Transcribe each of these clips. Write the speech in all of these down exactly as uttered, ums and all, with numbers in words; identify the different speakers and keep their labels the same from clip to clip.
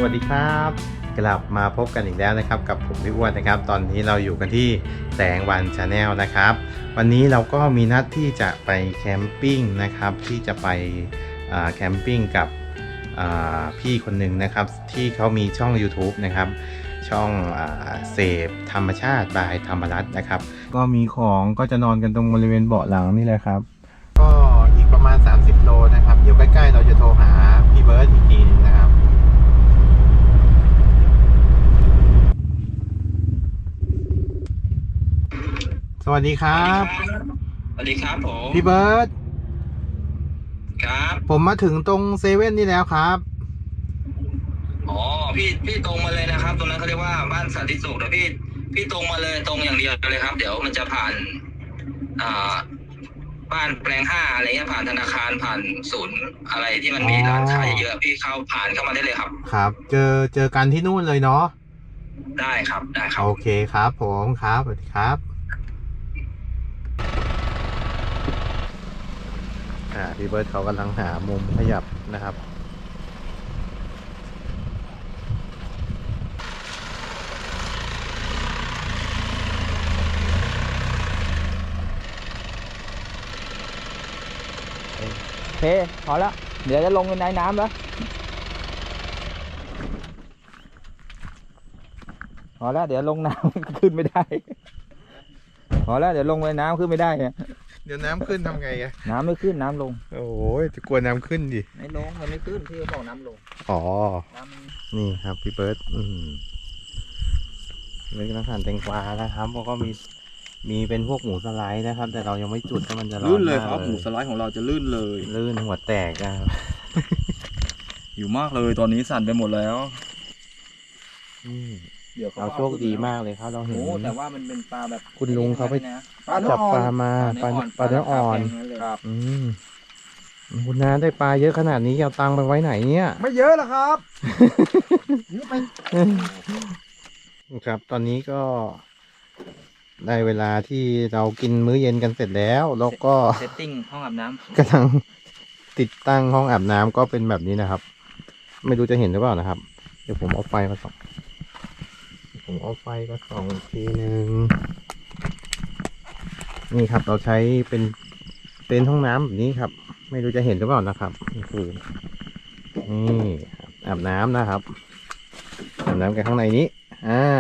Speaker 1: วัสดีครับกลับมาพบกันอีกแล้วนะครับกับผมพี่อ้วนนะครับตอนนี้เราอยู่กันที่แสงวันชาแนลนะครับวันนี้เราก็มีนัดที่จะไปแคมปิ้งนะครับที่จะไปแคมปิ้งกับพี่คนหนึ่งนะครับที่เขามีช่อง YouTube นะครับช่องเสพธรรมชาติบายธรรมรัตน์นะครับก็มีของก็จะนอนกันตรงบริเวณเบาะหลังนี่แหละครับก็อีกประมาณสามสิบโลนะครับเดี๋ยวใกล้ๆเราจะโทรหาพี่เบิร์ดอีกทีนึงนะครับสวัสดีครับ
Speaker 2: สวัสดีครับผม
Speaker 1: พี่เบิร์ด
Speaker 2: ครับ
Speaker 1: ผมมาถึงตรงเซเว่นนี่แล้วครับ
Speaker 2: อ๋อพี่พี่ตรงมาเลยนะครับตรงนั้นเขาเรียกว่าบ้านสันติสุขนะพี่พี่ตรงมาเลยตรงอย่างเดียวเลยครับเดี๋ยวมันจะผ่านอ่าบ้านแปลงห้าอะไรเงี้ยผ่านธนาคารผ่านศูนย์อะไรที่มันมีร้านขายเยอะพี่เข้าผ่านเข้ามาได้เลยครับ
Speaker 1: ครับเจอเจอกันที่นู่นเลยเนาะ
Speaker 2: ได้ครับได้ครับ
Speaker 1: โอเคครับผมครับสวัสดีครับอ่าพี่เบิร์ดเขากำลังหามุมขยับนะครับ
Speaker 3: โอเคพอแล้วเดี๋ยวจะลงในน้ำแล้วพอแล้วเดี๋ยวลงน้ำ ขึ้นไม่ได้พอแล้วเดี๋ยวลงในน้ำขึ้นไม่ได้
Speaker 1: เดี๋ยวน้ำขึ้นทำไงอะ
Speaker 3: น้ำไม่ขึ้นน้ำลง
Speaker 1: โอ้ยจะกลัวน้ำขึ้นดิ
Speaker 3: ไม่ลงมันไม่ขึ้นที่เขาบอกน้ำลง
Speaker 1: อ๋อนี่ครับพี่เบิร์ดอืมเล็กน้ำหั่นแตงกวานะครับแล้วก็มีมีเป็นพวกหมูสไลด์นะครับแต่เรายังไม่จุดเพราะมันจะร้อน
Speaker 3: ลื่นเลยครับหมูสไลด์ของเราจะลื่นเลย
Speaker 1: ลื่นหัวแตกนะครับ
Speaker 3: อยู่มากเลยตอนนี้สั่นไปหมดแล้ว
Speaker 1: เดี๋ยวเราโชคดีมากเลยครับเราเห็น
Speaker 3: แต่ว่ามันเป็นปลาแบบ
Speaker 1: คุณลุงเขาไปจับปลามาปลาปลาเนื้ออ่อน
Speaker 3: ครับ
Speaker 1: อืมคุณน้าได้ปลาเยอะขนาดนี้เอาตังค์ไปไว้ไหนเนี่ย
Speaker 3: ไม่เยอะหรอกครับ
Speaker 1: ครับตอนนี้ก็ได้เวลาที่เรากินมื้อเย็นกันเสร็จแล้วแล้วก็
Speaker 3: เซตติ้งห้องอาบน้ำ
Speaker 1: กำลังติดตั้งห้องอาบน้ำก็เป็นแบบนี้นะครับไม่รู้จะเห็นหรือเปล่านะครับเดี๋ยวผมเอาไฟมาส่องผมเอาไฟมาส่องทีหนึ่งนี่ครับเราใช้เป็นเต็นท์ห้องน้ำแบบนี้ครับไม่รู้จะเห็นหรือเปล่านะครับนี่คือนี่อาบน้ำนะครับอาบน้ำกันข้างในนี้อ่า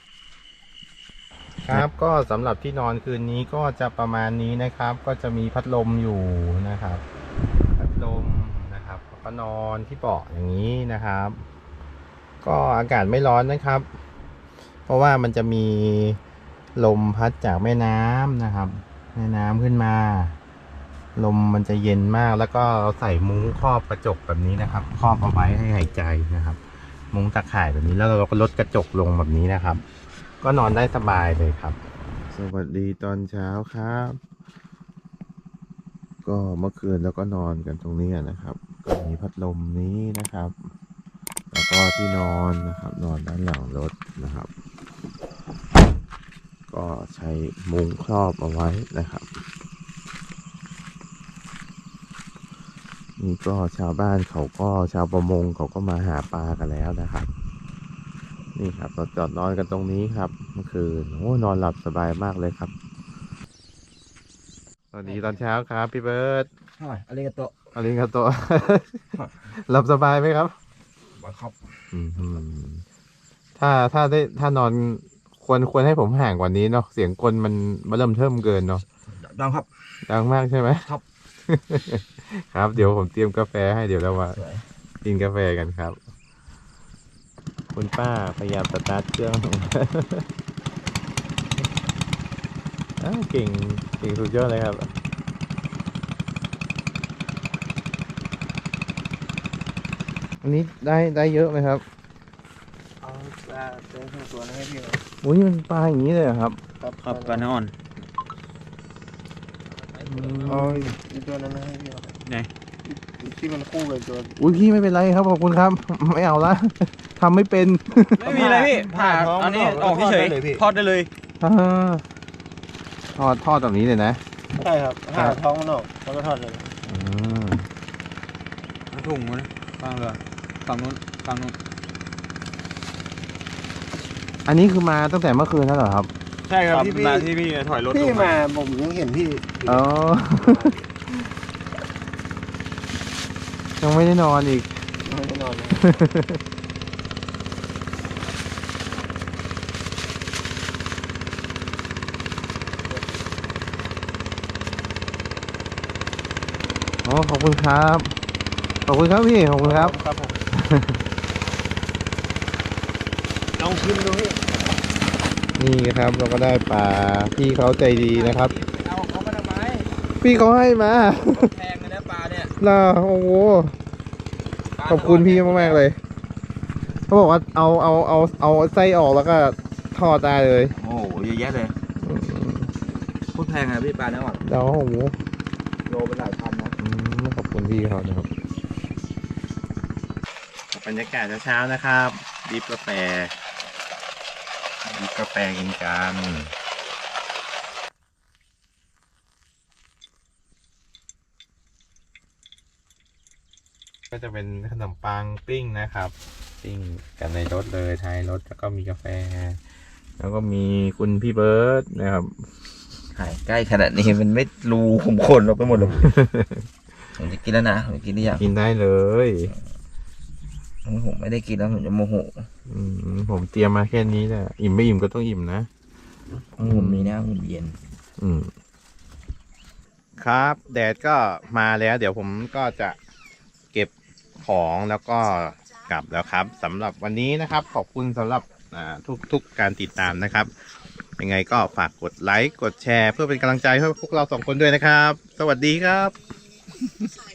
Speaker 1: ครับก็สำหรับที่นอนคืนนี้ก็จะประมาณนี้นะครับก็จะมีพัดลมอยู่นะครับพัดลมนะครับก็นอนที่เบาะอย่างนี้นะครับก็อากาศไม่ร้อนนะครับเพราะว่ามันจะมีลมพัดจากแม่น้ำนะครับแม่น้ำขึ้นมาลมมันจะเย็นมากแล้วก็เราใส่มุ้งครอบกระจกแบบนี้นะครับครอบเอาไว้ให้หายใจนะครับมุ้งตะข่ายแบบนี้แล้วเราก็ลดกระจกลงแบบนี้นะครับก็นอนได้สบายเลยครับสวัสดีตอนเช้าครับก็เมื่อคืนแล้วก็นอนกันตรงนี้นะครับก็มีพัดลมนี้นะครับแล้วก็ที่นอนนะครับนอนด้านหลังรถนะครับก็ใช้มุ้งครอบเอาไว้นะครับนี่ก็ชาวบ้านเขาก็ชาวประมงเขาก็มาหาปลากันแล้วนะครับนี่ครับเราจอดนอนกันตรงนี้ครับเมื่อคืนโอ้นอนหลับสบายมากเลยครับสวัสดีตอนเช้าครับพี่เบิร์ด
Speaker 3: อะไรกันโต
Speaker 1: อะไรกันโตหลับสบายไหมครับ
Speaker 3: ครับ
Speaker 1: ถ้าถ้าได้ถ้านอนควรควรให้ผมห่างกว่านี้เนาะเสียงกลมันมาเริ่มเทิมเกินเนาะ
Speaker 3: ดังครับ
Speaker 1: ดังมากใช่ไหม
Speaker 3: ครับ
Speaker 1: ครับเดี๋ยวผมเตรียมกาแฟให้เดี๋ยวเรามากินกาแฟกันครับคุณป้าพยายามสตาร์ทเครื่องเก่งเก่งสุดยอดเลยครับอันนี้ได้ได้เยอะไหมครับ
Speaker 3: เอาปลาเจอทั้งตัวให้พี่ครับ
Speaker 1: โอ้ยมันปลาอย่างนี้เลยครับ
Speaker 3: ครับครับปลาเนื้ออ่อนอ๋อตัวนั้นให้พี่ครับไหนที่มันคู่เลยตัว
Speaker 1: อุ้ยพี่ไม่เป็นไรครับขอบคุณครับไม่เอาละทำไม่เป็น
Speaker 3: ไม่มีอะไรพี่ผ่าอันนี้ออกเฉยทอดได้เลย
Speaker 1: ทอดทอดแบบนี้เลยนะ
Speaker 3: ใช่ครับผ่าท้องมันออกแล้วก็ทอดเลย
Speaker 1: อืม
Speaker 3: ถุงมันฟังเลยฝั่งนู้นฝั่งนู้น
Speaker 1: อันนี้คือมาตั้งแต่เมื่อคืนแล้วเหรอครับ
Speaker 4: ใช่ครับ
Speaker 5: ครับ
Speaker 4: ที่พี่
Speaker 5: มาที่พี่ถอยรถ
Speaker 4: พี่
Speaker 5: ลง
Speaker 4: มาผมยังเห็นพี่
Speaker 1: อ๋อ ยังไม่ได้นอนอีก
Speaker 4: ไม่ได้นอนเลย
Speaker 1: อ๋อ ขอบคุณครับ ขอบคุณครับพี่ ขอบคุณครับ
Speaker 4: ครับผมลองชิมดูพี่
Speaker 1: นี่ครับ เราก็ได้ปลา พี่เขาใจดีนะครับ
Speaker 3: เอาเขามาทำไม
Speaker 1: พี่เขาให้มา
Speaker 3: แพงเลยนะปลาเนี่ย
Speaker 1: ล่ะโอ้โห ขอบคุณพี่มากๆเลย เขาบอกว่าเอาเอาเอาเอาไส้ออกแล้วก็ทอดได้เลย
Speaker 3: โอ้โหเยอะแยะเลย
Speaker 1: อืม
Speaker 3: พูดแพงอะพี่ปลาเนี่ยว่ะ
Speaker 1: แล้วโอ้โห
Speaker 3: โลเป็นหลายพันนะ
Speaker 1: อืมขอบคุณพี่เขานะครับบรรยากาศเช้าๆนะครับดริฟกาแฟดริฟกาแฟกินกันก็จะเป็นขนมปังปิ้งนะครับ ปิ้งกันในรถเลยท้ายรถแล้วก็มีกาแฟ แล้วก็มีคุณพี่เบิร์ดนะครับ
Speaker 3: ถ่ายใกล้ขนาดนี้มันไม่รูขุมขนเราไปหมดหรอก ผมจะกินแล้วนะผมจะกินได้ยัง
Speaker 1: กินได้เลย
Speaker 3: ผมไม่ได้กินแล้วผมจะโมโห
Speaker 1: อืมผมเตรียมมาแค่นี้แหละอิ่มไม่อิ่มก็ต้องอิ่มนะ
Speaker 3: ผมมีนะผมเย็น
Speaker 1: อืมครับแดดก็มาแล้วเดี๋ยวผมก็จะเก็บของแล้วก็กลับแล้วครับสำหรับวันนี้นะครับ ขอบคุณสำหรับอ่าทุกทุกการติดตามนะครับ ยังไงก็ฝากกดไลค์กดแชร์เพื่อเป็นกำลังใจให้พวกเราสองคนด้วยนะครับ สวัสดีครับ